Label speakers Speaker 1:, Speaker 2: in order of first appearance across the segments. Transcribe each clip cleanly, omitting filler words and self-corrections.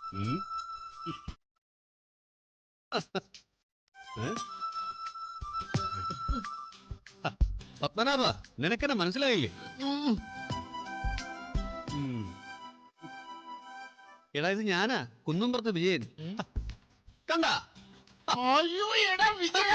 Speaker 1: പത്മനാഭ, നിനക്കെന്നെ മനസ്സിലായില്ലേ? എടാ, ഇത് ഞാനാ, കുന്നുംപുറത്ത് വിജയൻ. കണ്ട?
Speaker 2: അയ്യോ എടാ വിജയ,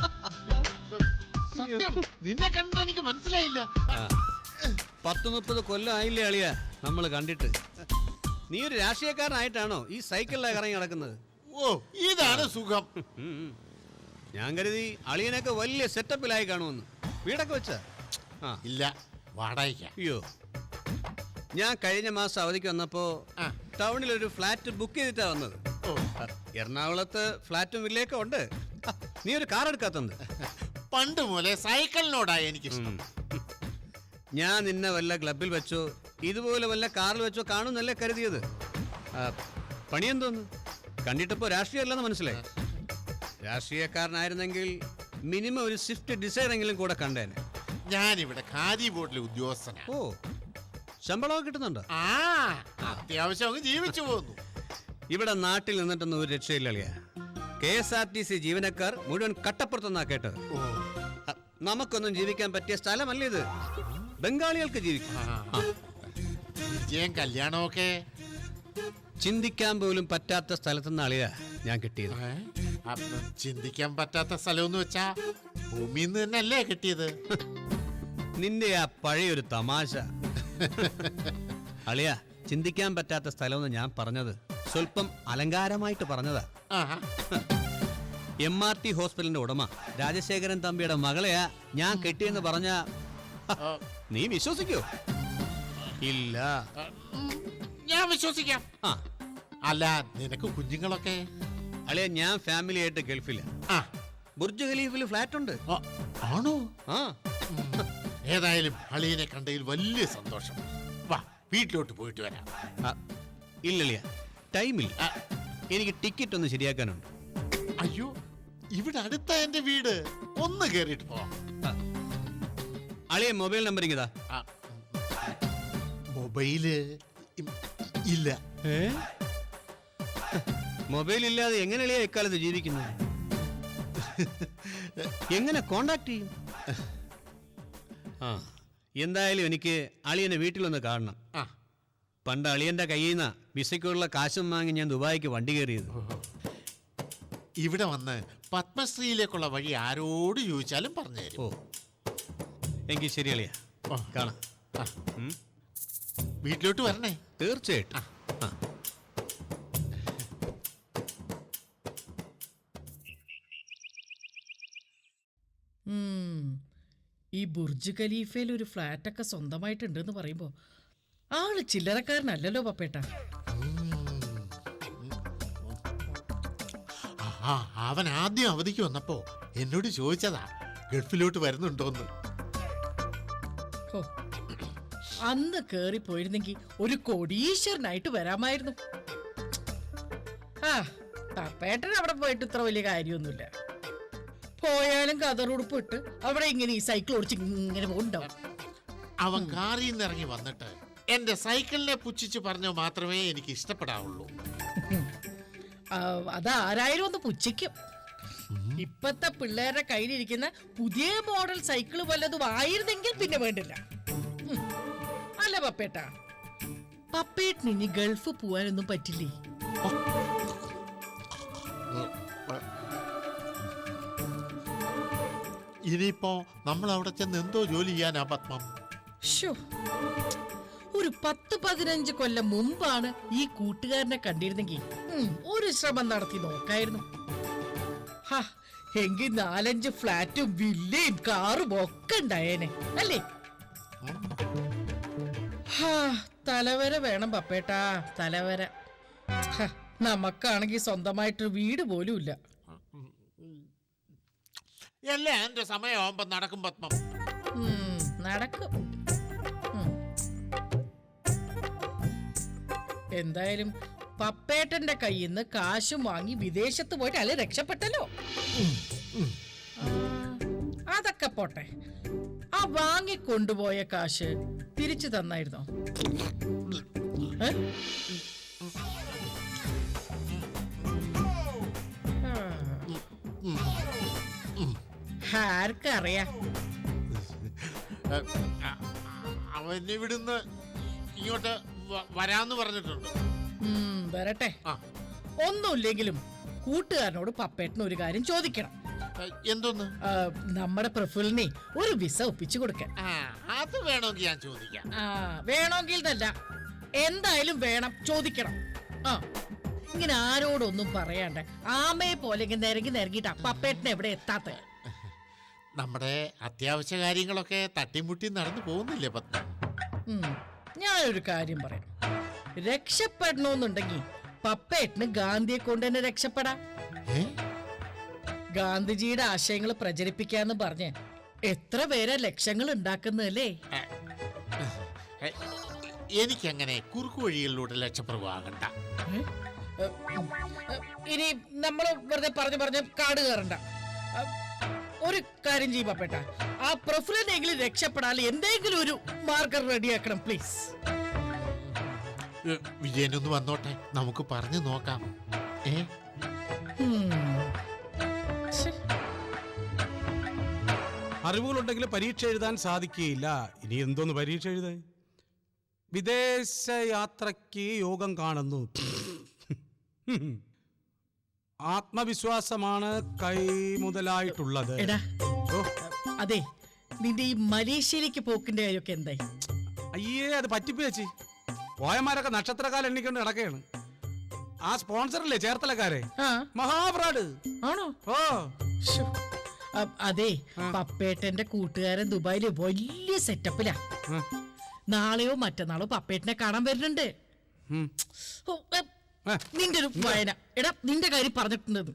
Speaker 2: സത്യം നിന്നെ കണ്ട എനിക്ക് മനസ്സിലായില്ല.
Speaker 1: 10-30 കൊല്ലം ആയില്ലേ അളിയ നമ്മള് കണ്ടിട്ട്. നീ ഒരു രാഷ്ട്രീയക്കാരനായിട്ടാണോ ഈ സൈക്കിളിലേക്ക് ഇറങ്ങി നടക്കുന്നത്?
Speaker 2: ഓ, ഇതാണ് സുഖം.
Speaker 1: ഞാൻ കരുതി അളിയനൊക്കെ വലിയ സെറ്റപ്പിലായി കാണുമെന്ന്. വീടൊക്കെ വെച്ച?
Speaker 2: ഇല്ല, വാടകയ്ക്ക.
Speaker 1: അയ്യോ, ഞാൻ കഴിഞ്ഞ മാസം അവധിക്ക് വന്നപ്പോ ടൗണിൽ ഒരു ഫ്ലാറ്റ് ബുക്ക് ചെയ്തിട്ടാ വന്നത്. എറണാകുളത്ത് ഫ്ലാറ്റും വില്ലയൊക്കെ ഉണ്ട്. നീ ഒരു കാർ എടുക്കാത്തത്?
Speaker 2: പണ്ട് മുതലേ സൈക്കിളിനോടാ എനിക്ക്.
Speaker 1: ഞാൻ നിന്നെ വല്ല ക്ലബിൽ വെച്ചോ ഇതുപോലെ വല്ല കാറിൽ വെച്ചോ കാണുന്നല്ലേ കരുതിയത്. പണിയെന്തോന്ന് കണ്ടിട്ടപ്പോ രാഷ്ട്രീയമല്ലെന്ന് മനസ്സിലായി. രാഷ്ട്രീയക്കാരനായിരുന്നെങ്കിൽ മിനിമം ഒരു സ്വിഫ്റ്റ് ഡിസൈർ എങ്കിലും കൂടെ കണ്ടേനെ.
Speaker 2: ഞാനിവിടെ ഖാദി ബോർഡിലെ ഉദ്യോഗസ്ഥനാ.
Speaker 1: ഓ, ശമ്പളമൊക്കെ കിട്ടുന്നുണ്ടോ?
Speaker 2: അത്യാവശ്യം ജീവിച്ചു പോകുന്നു.
Speaker 1: ഇവിടെ നാട്ടിൽ നിന്നിട്ടൊന്നും ഒരു രക്ഷയില്ല അളിയ. KSRTC ജീവനക്കാർ മുഴുവൻ കട്ടപ്പുറത്തെന്നാ കേട്ടത്. നമുക്കൊന്നും ജീവിക്കാൻ പറ്റിയ സ്ഥലമല്ല ഇത്. ബംഗാളികൾക്ക് ജീവിക്കാം.
Speaker 2: വിജയം കല്യാണമൊക്കെ
Speaker 1: ചിന്തിക്കാൻ പോലും പറ്റാത്ത സ്ഥലത്തുനിന്ന് അളിയ ഞാൻ കിട്ടിയത്.
Speaker 2: ചിന്തിക്കാൻ പറ്റാത്ത സ്ഥലം വെച്ചാ ഭൂമിയിൽ നിന്ന് തന്നെയല്ലേ കിട്ടിയത്?
Speaker 1: നിന്റെ ആ പഴയൊരു തമാശ. അളിയ, ചിന്തിക്കാൻ പറ്റാത്ത സ്ഥലമെന്ന് ഞാൻ പറഞ്ഞത് സ്വല്പം അലങ്കാരമായിട്ട് പറഞ്ഞതാ. MRT ഹോസ്പിറ്റലിന്റെ ഉടമ രാജശേഖരൻ തമ്പിയുടെ മകളെയാ ഞാൻ കെട്ടിയെന്ന് പറഞ്ഞ നീ വിശ്വസിക്കോ? ഇല്ല.
Speaker 2: ഞാൻ വിശ്വസിക്കാം. അല്ല, നിനക്ക് കുഞ്ഞുങ്ങളൊക്കെ?
Speaker 1: അളിയ, ഞാൻ ഫാമിലി ആയിട്ട് ഗൾഫില്ല. ബുർജ് ഖലീഫിൽ ഫ്ലാറ്റ് ഉണ്ട്.
Speaker 2: ആണോ? ഏതായാലും അളിയനെ കണ്ടതിൽ വലിയ സന്തോഷം. വാ, വീട്ടിലോട്ട് പോയിട്ട് വരാം.
Speaker 1: ഇല്ലളിയ, ടൈമില്ല. എനിക്ക് ടിക്കറ്റ് ഒന്ന് ശരിയാക്കാനുണ്ട്.
Speaker 2: അയ്യോ, ഇവിടെ അടുത്ത എന്റെ വീട്. ഒന്ന് കേറിയിട്ട് പോവാം.
Speaker 1: അളിയ, മൊബൈൽ നമ്പർ ഇങ്ങതാ.
Speaker 2: മൊബൈല് ഇല്ല.
Speaker 1: മൊബൈൽ ഇല്ലാതെ എങ്ങനെ അളിയ ഇക്കാലത്ത് ജീവിക്കുന്നത്? എങ്ങനെ കോണ്ടാക്ട് ചെയ്യും? എന്തായാലും എനിക്ക് അളിയനെ വീട്ടിലൊന്ന് കാണണം. പണ്ട് അളിയന്റെ കയ്യിൽ നിന്ന് വിസയ്ക്കുള്ള കാശും വാങ്ങി ഞാൻ ദുബായിക്ക് വണ്ടി കയറിയത്.
Speaker 2: ഇവിടെ വന്ന് പത്മശ്രീയിലേക്കുള്ള വഴി ആരോട് ചോദിച്ചാലും പറഞ്ഞു തരും.
Speaker 1: ഓ, എങ്കിൽ ശരി അളിയ, കാണാം.
Speaker 2: വീട്ടിലോട്ട് വരണേ.
Speaker 1: തീർച്ചയായിട്ടും.
Speaker 3: ഈ ബുർജ് ഖലീഫയിൽ ഒരു ഫ്ലാറ്റൊക്കെ സ്വന്തമായിട്ടുണ്ടെന്ന് പറയുമ്പോ ആള് ചില്ലറക്കാരനല്ലല്ലോ പപ്പേട്ട.
Speaker 2: അവൻ ആദ്യം അവധിക്ക് വന്നപ്പോ എന്നോട് ചോദിച്ചതാ ഗൾഫിലോട്ട് വരുന്നുണ്ടോന്ന്.
Speaker 3: അന്ന് കേറി പോയിരുന്നെങ്കിൽ ഒരു കോടീശ്വരനായിട്ട് വരാമായിരുന്നു. പപ്പേട്ടൻ അവിടെ പോയിട്ട് ഇത്ര വലിയ കാര്യമൊന്നുമില്ല. പോയാലും കതറുടുപ്പ് ഇട്ട് അവിടെ ഇങ്ങനെ ഈ സൈക്കിൾ ഓടിച്ച് ഇങ്ങനെ പോകുന്നുണ്ടാവും.
Speaker 2: അവൻ കാറിൽ നിന്ന് ഇറങ്ങി വന്നിട്ട് എന്റെ സൈക്കിളിനെ പുച്ഛിച്ച് പറഞ്ഞോ മാത്രമേ എനിക്ക് ഇഷ്ടപ്പെടാവുള്ളൂ.
Speaker 3: അതാരായാലും ഒന്ന് പുച്ഛിക്കും. ഇപ്പത്തെ പിള്ളേരുടെ കയ്യിലിരിക്കുന്ന പുതിയ മോഡൽ സൈക്കിൾ വല്ലതും ആയിരുന്നെങ്കിൽ പിന്നെ വേണ്ടില്ല. അല്ല പപ്പേട്ട, പപ്പേട്ടിന് ഇനി ഗൾഫ് പോവാനൊന്നും പറ്റില്ലേ?
Speaker 2: ഇനിയിപ്പോ നമ്മൾ അവിടെ ചെന്ന് എന്തോ ജോലി ചെയ്യാനാ പത്മം?
Speaker 3: ഒരു 10-15 കൊല്ലം മുമ്പാണ് ഈ കൂട്ടുകാരനെ കണ്ടിരുന്നെങ്കിൽ ഒരു ശ്രമം നടത്തി നോക്കായിരുന്നു. എങ്കിൽ 4-5 ഫ്ലാറ്റും വില്ലയും കാറും ഒക്കെ ഉണ്ടായേനെ അല്ലേ? തലവര വേണം പപ്പേട്ടാ, തലവര. നമുക്കാണെങ്കിൽ സ്വന്തമായിട്ടൊരു വീട് പോലും ഇല്ല.
Speaker 2: അല്ലേ എന്റെ സമയമാകുമ്പോ നടക്കും പത്മം.
Speaker 3: നടക്കും. എന്തായാലും പപ്പേട്ടന്റെ കയ്യിൽ നിന്ന് കാശും വാങ്ങി വിദേശത്ത് പോയിട്ട് അല്ലെ രക്ഷപ്പെട്ടല്ലോ. അതൊക്കെ പോട്ടെ, ആ വാങ്ങിക്കൊണ്ടുപോയ കാശ് തിരിച്ചു തന്നായിരുന്നോ? ആർക്കറിയാ?
Speaker 2: അവൻ ഇവിടുന്ന് ഇങ്ങോട്ട് വരാന്ന് പറഞ്ഞിട്ടുണ്ട്.
Speaker 3: വരട്ടെ.
Speaker 2: ആ.
Speaker 3: ഒന്നുമില്ലെങ്കിലും കൂട്ടുകാരനോട് പപ്പേട്ടന് ഒരു കാര്യം ചോദിക്കണം.
Speaker 2: എന്തോന്ന്?
Speaker 3: നമ്മുടെ പ്രഫുലിനെ ഒരു വിസ ഒപ്പിച്ചു കൊടുക്കാൻ.
Speaker 2: അത് വേണമെങ്കിൽ ഞാൻ ചോദിക്കാം.
Speaker 3: വേണമെങ്കിൽ തന്നെ എന്തായാലും വേണം, ചോദിക്കണം. ഇങ്ങനെ ആരോടൊന്നും പറയാണ്ട് ആമയെ പോലെ ഇങ്ങനെ നിരങ്ങിട്ടാ പപ്പേട്ടനെ എവിടെ എത്താത്ത.
Speaker 2: നമ്മുടെ അത്യാവശ്യ കാര്യങ്ങളൊക്കെ തട്ടിമുട്ടി നടന്നു പോകുന്നില്ലേ പത്മ?
Speaker 3: ഞാനൊരു കാര്യം പറയാം. രക്ഷപ്പെടണമെന്നുണ്ടെങ്കിൽ പപ്പേട്ടന് ഗാന്ധിയെ കൊണ്ട് തന്നെ രക്ഷപ്പെടാം. ഗാന്ധിജിയുടെ ആശയങ്ങൾ പ്രചരിപ്പിക്കാന്ന് പറഞ്ഞ് എത്ര പേരെ ലക്ഷങ്ങൾ ഉണ്ടാക്കുന്നതല്ലേ.
Speaker 2: എനിക്കങ്ങനെ കുറുക്കു വഴികളിലൂടെ ലക്ഷപ്രഭുവാകണ്ട.
Speaker 3: ഇനി നമ്മൾ വെറുതെ പറഞ്ഞ് കാട് കയറണ്ട. ഒരു കാര്യം ചെയ്യും പപ്പേട്ട, ആ പ്രഫുലിനെങ്കിലും രക്ഷപ്പെടാൻ എന്തെങ്കിലും ഒരു മാർഗം റെഡിയാക്കണം പ്ലീസ്.
Speaker 2: വിജയനൊന്ന് വന്നോട്ടെ, നമുക്ക് പറഞ്ഞു നോക്കാം.
Speaker 4: അറിവുകളുണ്ടെങ്കിൽ പരീക്ഷ എഴുതാൻ സാധിക്കുകയില്ല. ഇനി എന്തോന്ന് പരീക്ഷ എഴുതാൻ? വിദേശ യാത്രയ്ക്ക് യോഗം കാണുന്നു. ആത്മവിശ്വാസമാണ് കൈമുതലായിട്ടുള്ളത്.
Speaker 3: എടാ, അതെ, നിന്റെ ഈ മലേഷ്യയിലേക്ക് പോക്കിന്റെ കാര്യമൊക്കെ എന്തായി?
Speaker 4: അയ്യേ, അത് പറ്റിപ്പേച്ചി. പോയമാരൊക്കെ നക്ഷത്രക്കാലം എണ്ണിക്കൊണ്ട് നടക്കുകയാണ്. ആ സ്പോൺസറല്ലേ ചേർത്തലക്കാരെ, മഹാഫ്രോഡ്
Speaker 3: ആണോ?
Speaker 4: ഓ,
Speaker 3: അതെ, പപ്പേട്ടന്റെ കൂട്ടുകാരൻ ദുബായില് വലിയ സെറ്റപ്പിലാ. നാളെയോ മറ്റന്നാളോ പപ്പേട്ടനെ കാണാൻ വരുന്നുണ്ട്. നിന്റെ ഒരു വായന. എടാ, നിന്റെ കാര്യം പറഞ്ഞിട്ടുണ്ട്.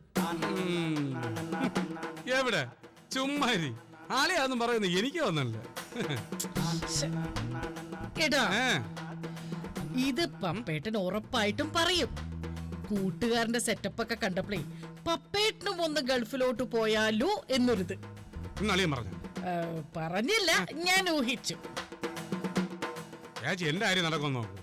Speaker 4: എവിടെ ചുമ്മാരി ആളെയാന്നും പറയുന്നു, എനിക്ക് വന്നല്ലേ.
Speaker 3: എടാ, ഇത് പപ്പേട്ടൻ ഉറപ്പായിട്ടും പറയും. കൂട്ടുകാരന്റെ സെറ്റപ്പ് ഒക്കെ കണ്ടപ്പോഴേ പപ്പേട്ടനും ഒന്ന് ഗൾഫിലോട്ട് പോയാലോ എന്നൊരിത്. പറഞ്ഞില്ല, ഞാൻ ഊഹിച്ചു.
Speaker 4: എന്റെ കാര്യം നടക്കുന്നു നോക്കൂ.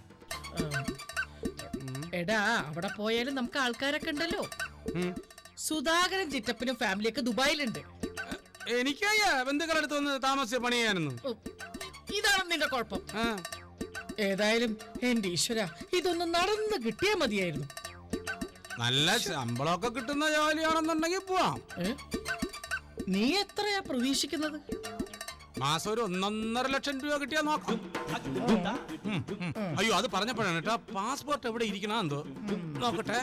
Speaker 3: എടാ, അവിടെ പോയാലും നമുക്ക് ആൾക്കാരൊക്കെ ഉണ്ടല്ലോ. സുധാകരൻ ചിറ്റപ്പനും ഫാമിലിയൊക്കെ ദുബായിലുണ്ട്.
Speaker 4: എനിക്കയ്യ ബന്ധുക്കളടുത്ത് വന്ന് താമസിച്ച പണി ചെയ്യാനൊന്നും.
Speaker 3: ഇതാണ് നിന്റെ കുഴപ്പം. ഏതായാലും എന്റെ ഈശ്വര, ഇതൊന്നും നടന്ന് കിട്ടിയാ മതിയായിരുന്നു.
Speaker 4: നല്ല ശമ്പളമൊക്കെ കിട്ടുന്ന ജോലിയാണെന്നുണ്ടെങ്കിൽ പോവാം.
Speaker 3: നീ എത്രയാ പ്രതീക്ഷിക്കുന്നത്?
Speaker 4: മാസം ഒരു 1.5 ലക്ഷം രൂപ കിട്ടിയാ നോക്കാം. അയ്യോ, അത് പറഞ്ഞപ്പോഴാണ് കേട്ടോ, പാസ്പോർട്ട് എവിടെ ഇരിക്കണ എന്തോ നോക്കട്ടെ.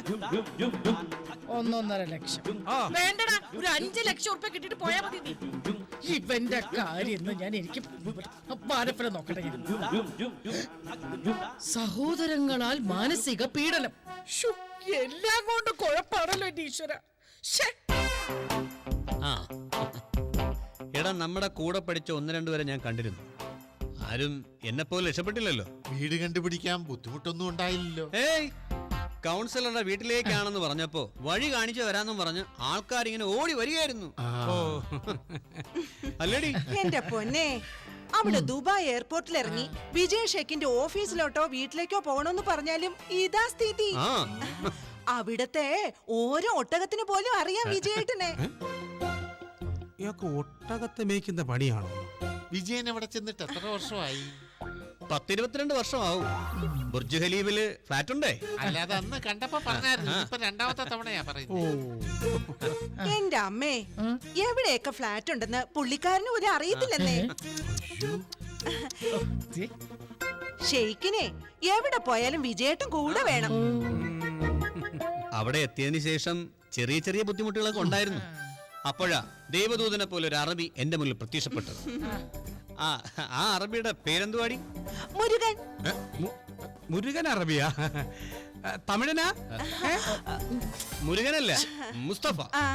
Speaker 3: 1.5 ലക്ഷം വേണ്ടടാ, ഒരു 5 ലക്ഷം ഉറുപ്പ കിട്ടിട്ട് പോയാ മതി. നീ ഇവന്റെ കാര്യം ഞാൻ എനിക്ക് പാരപ്പന നോക്കട്ടെ. സഹോദരങ്ങളാൽ മാനസിക പീഡനം, എല്ലാം കൊണ്ട് കുഴപ്പാണല്ലോ എന്റെ ഈശ്വര.
Speaker 1: എടാ, നമ്മുടെ കൂടെ പഠിച്ച 1-2 പേരെ ഞാൻ കണ്ടിരുന്നു. ആരും എന്നെ പോലെ രക്ഷപ്പെട്ടില്ലല്ലോ.
Speaker 2: വീട് കണ്ടുപിടിക്കാൻ ബുദ്ധിമുട്ടൊന്നും ഉണ്ടായില്ലല്ലോ.
Speaker 1: ഏയ്, കൗൺസിലറുടെ വീട്ടിലേക്കാണെന്ന് പറഞ്ഞപ്പോ വഴി കാണിച്ചു വരാന്നും പറഞ്ഞ് ആൾക്കാരിങ്ങനെ ഓടി വരികയായിരുന്നു. അല്ലേടി?
Speaker 5: എന്റെ പൊന്നെ, അവിടെ ദുബായ് എയർപോർട്ടിൽ ഇറങ്ങി വിജയ് ഷെക്കിന്റെ ഓഫീസിലോട്ടോ വീട്ടിലേക്കോ പോകണമെന്ന് പറഞ്ഞാലും ഇതാ സ്ഥിതി. അവിടത്തെ ഓരോ ഒട്ടകത്തിന് പോലും അറിയാം വിജയേട്ടനെ.
Speaker 4: ഇയാൾക്ക് ഒട്ടകത്തെ മേയ്ക്കുന്ന പണിയാണോ?
Speaker 2: വിജയൻ അവിടെ ചെന്നിട്ട് എത്ര വർഷമായി?
Speaker 1: 10-22 വർഷമാവും. ബുർജ് ഖലീഫില് ഫ്ലാറ്റ് ഉണ്ടേ.
Speaker 2: അല്ലാതെ അന്ന് കണ്ടപ്പോ പറഞ്ഞായിരുന്നു. ഇപ്പൊ രണ്ടാമത്തെ തവണയാ പറയുന്നത്.
Speaker 5: എന്റെ അമ്മേ, എവിടെയൊക്കെ ഫ്ലാറ്റ് ഉണ്ടെന്ന് പുള്ളിക്കാരന് ഒരു അറിയത്തില്ലെന്നേ. ഷെയ്ക്കിനെ എവിടെ പോയാലും വിജയേട്ടൻ കൂടെ വേണം.
Speaker 1: അവിടെ എത്തിയതിനു ശേഷം ചെറിയ ചെറിയ ബുദ്ധിമുട്ടുകളൊക്കെ ഉണ്ടായിരുന്നു. അപ്പോഴാ ദൈവദൂതനെ പോലെ ഒരു അറബി എന്റെ മുന്നിൽ പ്രത്യക്ഷപ്പെട്ടത്. ആ അറബിയുടെ പേരെന്തുവാടി?
Speaker 5: മുരുകൻ.
Speaker 4: മുരുകൻ അറബിയാ? തമിഴനാ?
Speaker 1: മുരുകനല്ല, മുസ്തഫ.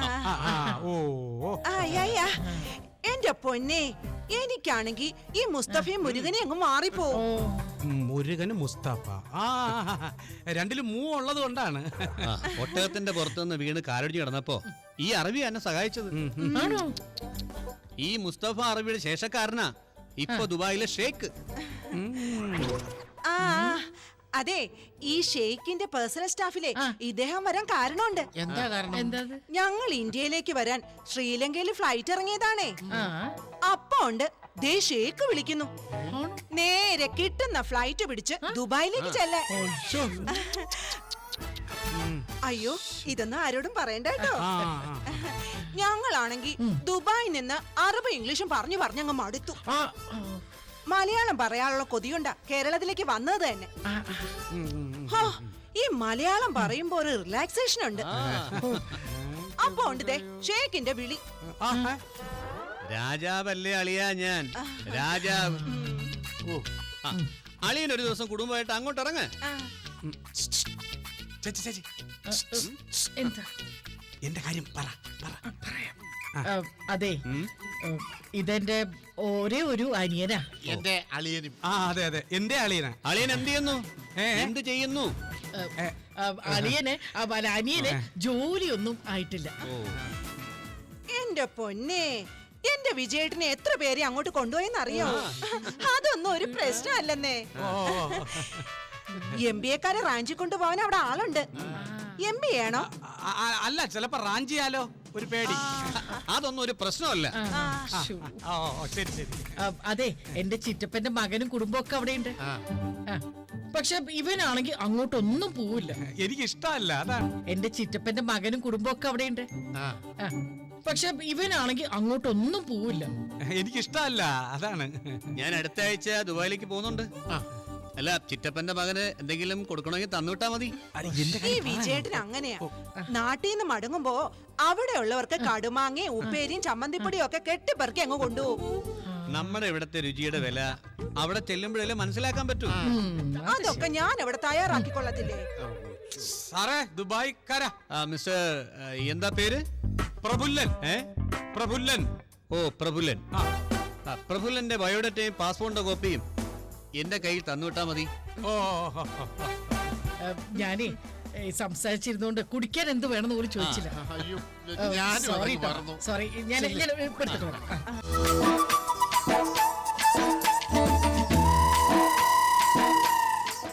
Speaker 5: എന്റെ പൊന്നെ, എനിക്കാണെങ്കി ഈ മുസ്തഫയും മുരുകനെ അങ്ങ് മാറിപ്പോ.
Speaker 4: മുരുകന് മുസ്തഫ, രണ്ടിലും ഉള്ളത് കൊണ്ടാണ്.
Speaker 1: ഒട്ടകത്തിന്റെ പുറത്തുനിന്ന് വീണ് കാലൊടിഞ്ഞ് കിടന്നപ്പോ ഈ അറബി എന്നെ സഹായിച്ചത്. ഈ മുസ്തഫ അറബിയുടെ ശേഷക്കാരനാ ഇപ്പൊ ദുബായിലെ ഷേക്ക്.
Speaker 5: അതെ, ഈ ഷെയ്ഖിന്റെ പേഴ്സണൽ സ്റ്റാഫിലെ ഇദ്ദേഹം വരാൻ കാരണമുണ്ട്.
Speaker 2: എന്താ കാരണം?
Speaker 3: എന്താ
Speaker 5: ഞങ്ങൾ ഇന്ത്യയിലേക്ക് വരാൻ ശ്രീലങ്കയിൽ ഫ്ലൈറ്റ് ഇറങ്ങിയതാണേ. അപ്പൊ ഉണ്ട് ദേ ഷേഖ് വിളിക്കുന്നു. നേരെ കിട്ടുന്ന ഫ്ലൈറ്റ് പിടിച്ച് ദുബായിലേക്ക് ചെല്ലാൻ. അയ്യോ, ഇതൊന്നും ആരോടും പറയണ്ട കേട്ടോ. ഞങ്ങളാണെങ്കി ദുബായിൽ നിന്ന് അറബ് ഇംഗ്ലീഷും പറഞ്ഞു പറഞ്ഞങ്ങ് മടുത്തു. മലയാളം പറയാനുള്ള കൊതിയുണ്ടാ കേരളത്തിലേക്ക് വന്നത് തന്നെ. ഈ മലയാളം പറയുമ്പോ ഒരു റിലാക്സേഷൻ ഉണ്ട്. അപ്പൊ ഉണ്ട് ദേ ഷേഖിന്റെ വിളി.
Speaker 1: രാജാവല്ലേ അളിയാ ഞാൻ, രാജാവ്. അളിയൻ ഒരു ദിവസം കുടുംബമായിട്ട് അങ്ങോട്ട് ഇറങ്ങ.
Speaker 4: ചേച്ചി ചേച്ചി
Speaker 3: എന്താ
Speaker 4: എന്റെ കാര്യം പറ.
Speaker 3: അതെ, ഇതെന്റെ ഒരേ ഒരു അനിയനാ.
Speaker 2: എന്റെ അളിയനും.
Speaker 4: അതെ അതെ, എന്റെ അളിയനാ.
Speaker 1: അളിയൻ എന്ത് ചെയ്യുന്നു? എന്ത് ചെയ്യുന്നു?
Speaker 3: അനിയന് ജോലിയൊന്നും ആയിട്ടില്ല.
Speaker 5: എന്റെ പൊന്നെ, എന്റെ വിജയേട്ടനെ എത്ര പേരെ അങ്ങോട്ട് കൊണ്ടുപോയെന്ന് അറിയാമോ? അതൊന്നും ഒരു പ്രശ്നമല്ലെന്നേ. MBA-ക്കാരെ റാഞ്ചി കൊണ്ടുപോകാൻ അവിടെ ആളുണ്ട്. MBA ആണോ?
Speaker 4: അല്ല, ചിലപ്പോ റാഞ്ചിയാലോ ഒരു പേടി.
Speaker 1: അതൊന്നും ഒരു പ്രശ്നമല്ല.
Speaker 4: ശരി ശരി.
Speaker 3: അതെ, എന്റെ ചിറ്റപ്പന്റെ മകനും കുടുംബമൊക്കെ അവിടെയുണ്ട്. പക്ഷെ ഇവനാണെങ്കിൽ അങ്ങോട്ടൊന്നും പോവില്ല.
Speaker 4: എനിക്ക് ഇഷ്ടമല്ല, അതാണ്.
Speaker 3: എന്റെ ചിറ്റപ്പന്റെ മകനും കുടുംബമൊക്കെ അവിടെയുണ്ട്. പക്ഷെ ഇവനാണെങ്കിൽ അങ്ങോട്ടൊന്നും പോവില്ല.
Speaker 4: എനിക്ക് ഇഷ്ടമല്ല, അതാണ്.
Speaker 1: ഞാൻ അടുത്ത ആഴ്ച ദുബായിലേക്ക് പോകുന്നുണ്ട്. അല്ല, ചിറ്റപ്പന്റെ മകന് എന്തെങ്കിലും കൊടുക്കണമെങ്കിൽ തന്നുവിട്ടാ മതി.
Speaker 5: ഈ വിജയേട്ടൻ അങ്ങനെയാ. നാട്ടിൽ നിന്ന് മടങ്ങുമ്പോ അവിടെയുള്ളവർക്ക് കടുമാങ്ങയും ഉപ്പേരിയും ചമ്മന്തിപ്പൊടിയും ഒക്കെ കെട്ടിപ്പെറുക്കി അങ്ങ് കൊണ്ടുപോകും.
Speaker 1: നമ്മുടെ ഇവിടത്തെ രുചിയുടെ വില അവിടെ ചെല്ലുമ്പോഴല്ലേ മനസ്സിലാക്കാൻ പറ്റൂ.
Speaker 5: അതൊക്കെ ഞാൻ അവിടെ തയ്യാറാക്കിക്കൊള്ളത്തില്ലേ.
Speaker 4: സാറേ, ദുബായ്ക്കാരാ.
Speaker 1: മിസ്റ്റർ എന്താ പേര്?
Speaker 4: പ്രഫുല്ലൻ. പ്രഫുല്ലൻ.
Speaker 1: ഓ, പ്രഫുല്ലൻ. പ്രഫുല്ലന്റെ ബയോഡേറ്റയും പാസ്പോർട്ടിന്റെ കോപ്പിയും എന്റെ കയ്യിൽ തന്നുവിട്ടാ മതി.
Speaker 3: ഞാനേ സംസാരിച്ചിരുന്നോണ്ട് കുടിക്കാൻ എന്ത് വേണമെന്ന് പോലും ചോദിച്ചില്ല.
Speaker 2: അയ്യോ, ഞാനും
Speaker 3: സോറി
Speaker 2: അത് മറന്നു.
Speaker 3: സോറി, ഞാൻ എടുത്തിട്ട് വരാം.